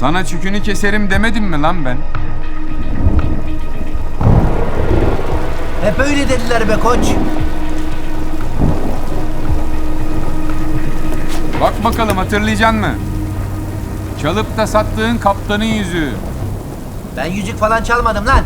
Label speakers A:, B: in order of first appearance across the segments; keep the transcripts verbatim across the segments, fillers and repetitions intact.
A: Sana çükünü keserim demedim mi lan ben?
B: Hep öyle dediler be koç.
A: Bak bakalım hatırlayacaksın mı? Çalıp da sattığın kaptanın yüzüğü.
B: Ben yüzük falan çalmadım lan.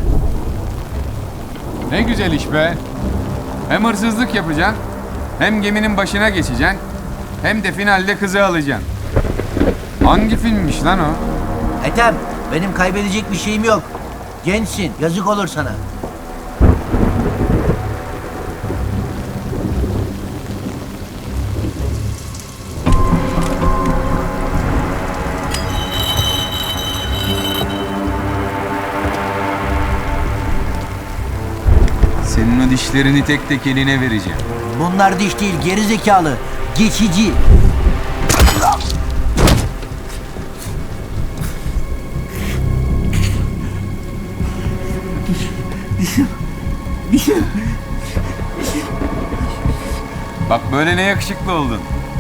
A: Ne güzel iş be. Hem hırsızlık yapacaksın, hem geminin başına geçeceksin, hem de finalde kızı alacaksın. Hangi filmmiş lan o?
B: Ethem, benim kaybedecek bir şeyim yok. Gençsin, yazık olur sana.
A: Senin o dişlerini tek tek eline vereceğim.
B: Bunlar diş değil, geri zekalı. Geçici.
A: Bak böyle ne yakışıklı oldun.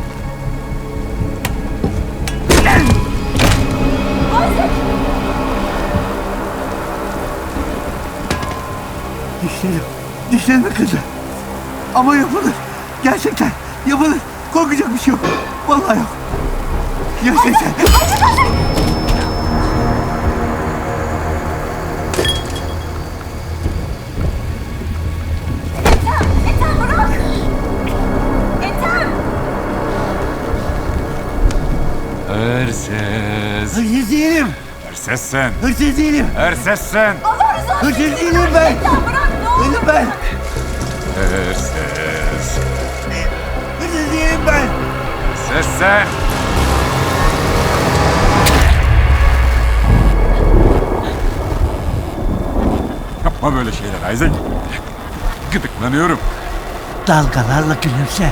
C: Dişlerim, dişlerimi kırdı. Ama yapılır. Gerçekten yapılır. Korkacak bir şey yok. Vallahi yok. Gerçekten.
D: Ethem bırak! Ethem!
A: Hırsız.
C: Hırsız değilim.
A: Hırsız sen.
C: Hırsız değilim.
A: Hırsız sen.
D: Allah rızası için
C: Hırsız değilim ben.
D: Ethem bırak ne olur!
C: Değilim ben.
A: Hırsız.
C: Hırsız değilim ben.
A: Hırsız sen. Yapma böyle şeyler Isaac. Gıdıklanıyorum.
C: Dalgalarla gülümse.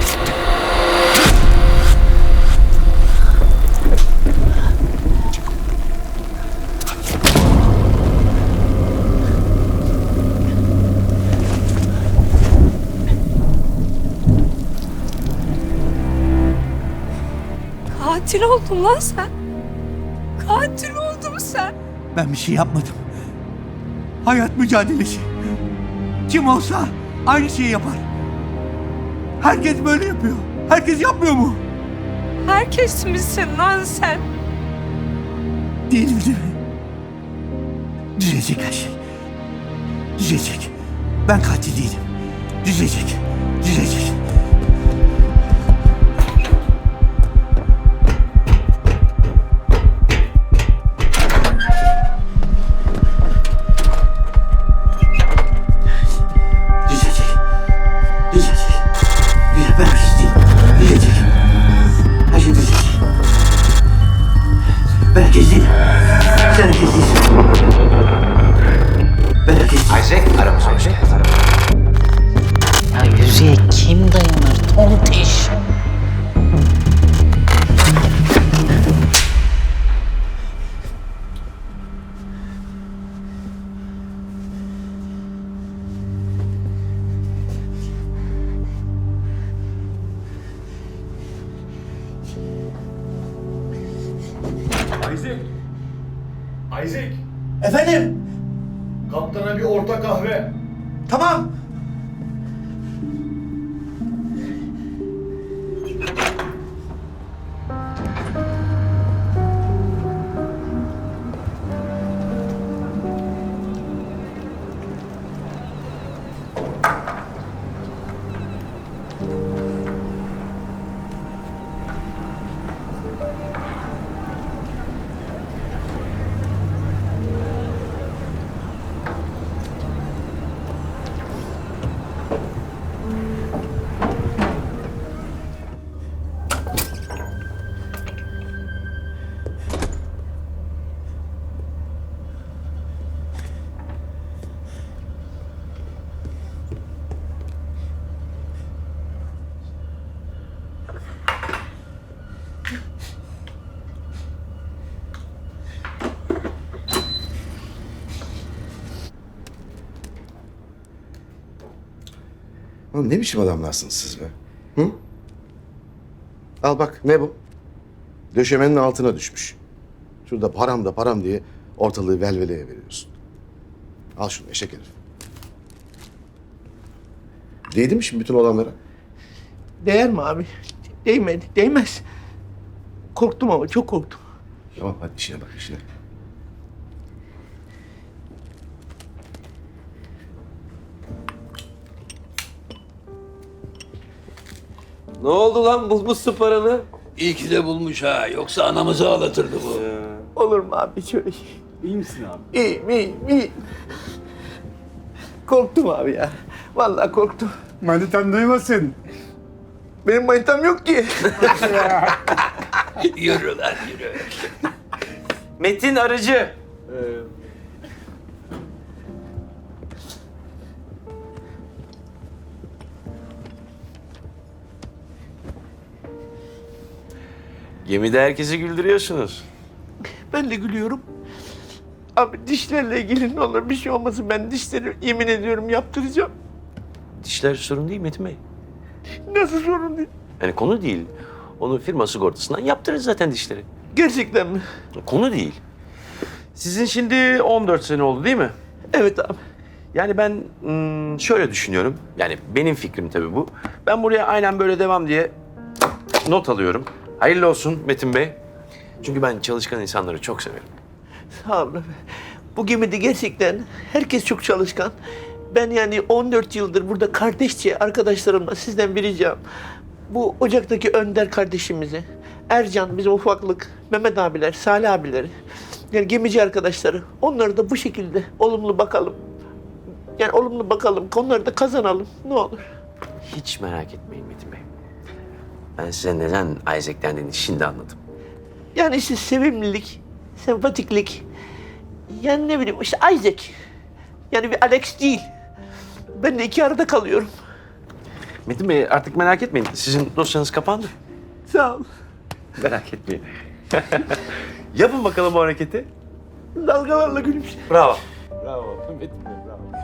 D: Katil oldun lan sen. Katil oldun sen.
C: Ben bir şey yapmadım. Hayat mücadelesi. Kim olsa aynı şeyi yapar. Herkes böyle yapıyor. Herkes yapmıyor mu?
D: Herkes misin lan sen?
C: Değilim değil mi? Düzelecek her şey. Düzelecek. Ben katil değilim. Düzelecek. Düzelecek. Düzelecek. Düzelecek. Düze- Ben bir şey değilim. Düzelecek. Her şey düzelecek. Ben herkes değilim. Sen herkes değilsin. Ben herkes değilim.
E: Isaac aramıza hoş geldin.
F: Ya yüzüğe kim dayanır tontiş?
G: Isaac! Isaac!
C: Efendim?
G: Kaptana bir orta kahve.
C: Tamam.
H: Oğlum ne biçim adamlarsınız siz be? Hı? Al bak ne bu? Döşemenin altına düşmüş. Şurada param da param diye ortalığı velveleye veriyorsun. Al şunu eşek herif. Değdi mi şimdi bütün olanlara?
C: Değer mi abi? Değmedi, değmez. Korktum ama çok korktum.
H: Tamam hadi işine bak işine.
E: Ne oldu lan bulmuşsun paranı?
I: İyi ki de bulmuş ha. Yoksa anamızı ağlatırdı bu.
C: Olur mu abi şöyle şey?
G: İyi misin abi?
C: İyiyim, iyiyim, iyiyim. Korktum abi ya. Vallahi korktum.
G: Manitan duymasın.
C: Benim manitam yok ki.
I: Yürü lan yürü.
E: Metin Arıcı. Gemide herkesi güldürüyorsunuz.
C: Ben de gülüyorum. Abi dişlerle ilgili ne olur bir şey olmasın. Ben dişleri yemin ediyorum yaptıracağım.
E: Dişler sorun değil Metin Bey.
C: Nasıl sorun değil?
E: Yani konu değil. Onu firma sigortasından yaptırırız zaten dişleri.
C: Gerçekten mi?
E: Konu değil. Sizin şimdi on dört sene oldu değil mi?
C: Evet abi.
E: Yani ben hmm, şöyle düşünüyorum. Yani benim fikrim tabii bu. Ben buraya aynen böyle devam diye not alıyorum. Hayırlı olsun Metin Bey. Çünkü ben çalışkan insanları çok severim.
C: Sağ olun. Bu gemide gerçekten herkes çok çalışkan. Ben yani on dört yıldır burada kardeşçe arkadaşlarımla sizden bir ricam. Bu ocaktaki Önder kardeşimizi, Ercan bizim ufaklık, Mehmet abiler, Salih abileri, yani gemici arkadaşları, onları da bu şekilde olumlu bakalım. Yani olumlu bakalım, konuları da kazanalım. Ne olur.
E: Hiç merak etmeyin Metin Bey. Ben size neden Isaac dendiğini şimdi anladım.
C: Yani işte sevimlilik, sempatiklik. Yani ne bileyim işte Isaac. Yani bir Alex değil. Ben de iki arada kalıyorum.
E: Metin Bey artık merak etmeyin. Sizin dosyanız kapandı.
C: Sağ ol.
E: Merak etmeyin. Yapın bakalım o hareketi.
C: Dalgalarla gülümse.
E: Bravo. Bravo Metin Bey bravo.